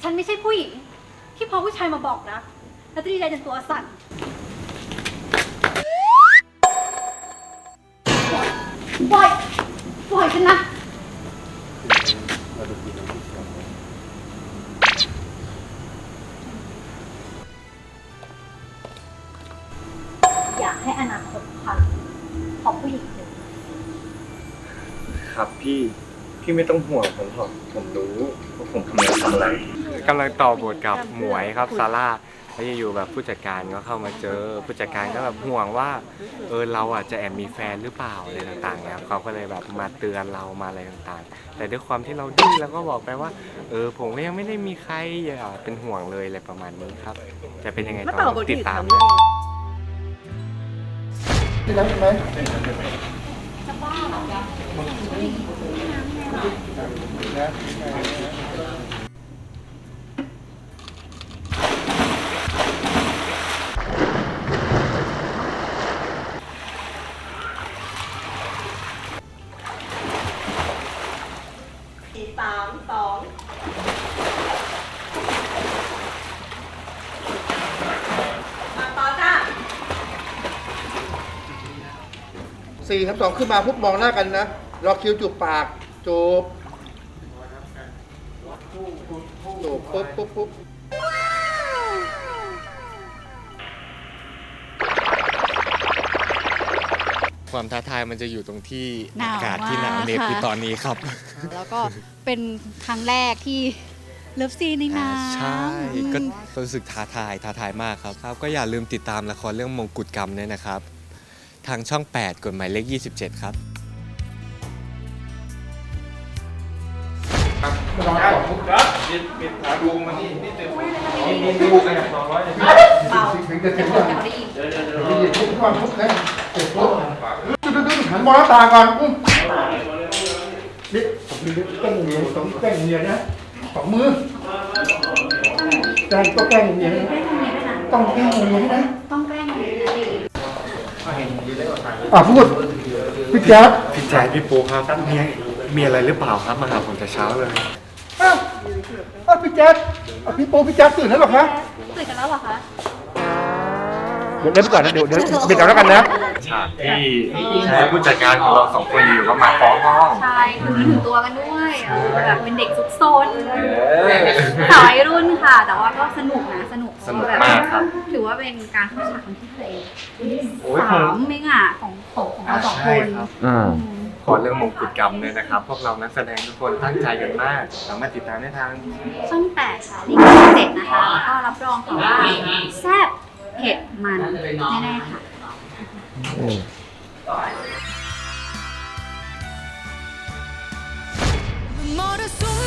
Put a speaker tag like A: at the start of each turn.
A: ฉันไม่ใช่ผู้หญิงที่พอผู้ชายมาบอกนะแล้วจะดีใจจนตัวสั่นปล่อยฉันนะอยากให้อนาคตพังของผู้หญิงหนึ่ง
B: ครับพี่ไม่ต้องห่วงผมหรอกผมรู้ว่าผมทำอะไรกำลังต่อบทกับหมวยครับซาร่าแล้วอยู่ๆแบบผู้จัดการก็เข้ามาเจอผู้จัดการก็แบบห่วงว่าเราอ่ะจะแอบมีแฟนหรือเปล่าอะไรต่างๆเนี่ยเขาก็เลยแบบมาเตือนเรามาอะไรต่างๆแต่ด้วยความที่เราดื้อแล้วก็บอกไปว่าผมก็ยังไม่ได้มีใครอย่าเป็นห่วงเลยอะไรประมาณนี้ครับจะเป็นยังไงต่อติดตามนะ
C: นี่แล้วใช่ไหม
A: จะบ้าเหรอ
D: 3 2มาต่อจ้า
C: 4 3 2ขึ้นมาปุ๊บมองหน้ากันนะรอคิวจูบปากจูบปุ๊บ
B: ความท้าทายมันจะอยู่ตรงที่
E: หนาว
B: อากาศที่หนาวเหน็บ
E: มาก
B: คือ
E: ค่ะ
B: ตอนนี้ครับ
E: แล้วก็เป็นครั้งแรกที่เลิฟซีนในน้ำ
B: ใช่ก็รู้สึกท้าทายมากครับก็อย่าลืมติดตามละครเรื่องมงกุฎกรรมด้วยนะครับ ทางช่อง 8 กฎหมายเลข 27 ครับ
C: ลองต่อปุ๊บ
B: ปิดขาดูมานี่นี่เต็ม
A: นี่
B: ดูกันอย่าง200เลย
C: ถึงจะถึงก่อน
A: ได้ยิน
C: ได้ยินปุ๊บก่อนปุ๊บนะเสร็จปุ๊บดึงหันมองหน้าต่างก่อนนี่ผมมีแกล้งเมียแกล้งเมียนะ2 มือแกล้งก็แกล้งเมียนะต้องแกล้งเมียนะ
A: ต้องแกล้งเมียนะดิ
C: พูดพี่แจ๊บ
B: พี่แจ๊คพี่ปูครับมีอะไรหรือเปล่าครับมาหาผมแต่เช้าเลย
C: อ้าวพี่แจ๊บพี่ปูพี่แจ๊บตื่นแล้วหรอคะ
A: ตื่นกันแล้วเหรอคะ
C: เดี๋ยวไปก่อนนะเดี๋ยวเด็กเอาแล้วกันนะ
B: ฉากที่ใช้ผู้จัดการของเรา2 คนอยู่ก็มาฟ้องห้อง
A: ใช่ถึงตัวกันด้วยแบบเป็นเด็กซุกซนสาววัยรุ่นค่ะ แต่ว่าก็สนุกนะสนุก
B: มากครับ
A: ถือว่าเป็นการเข้าฉากคนที่เพลง
B: โอ้ย
A: 3เมงอ่ะของเรา2 คน
B: ขอเรื่องมงกุฎกรรมเลยนะครับ พวกเรานักแสดงทุกคนตั้งใจกันมากสามารถติดตามได้ทาง
A: ช่อง8ค่ะลิงก์7นะคะ แล้วก็รับรองค่ะว่าแซ่บเผ็ดมันแน่ๆค่ะ
F: มรสุม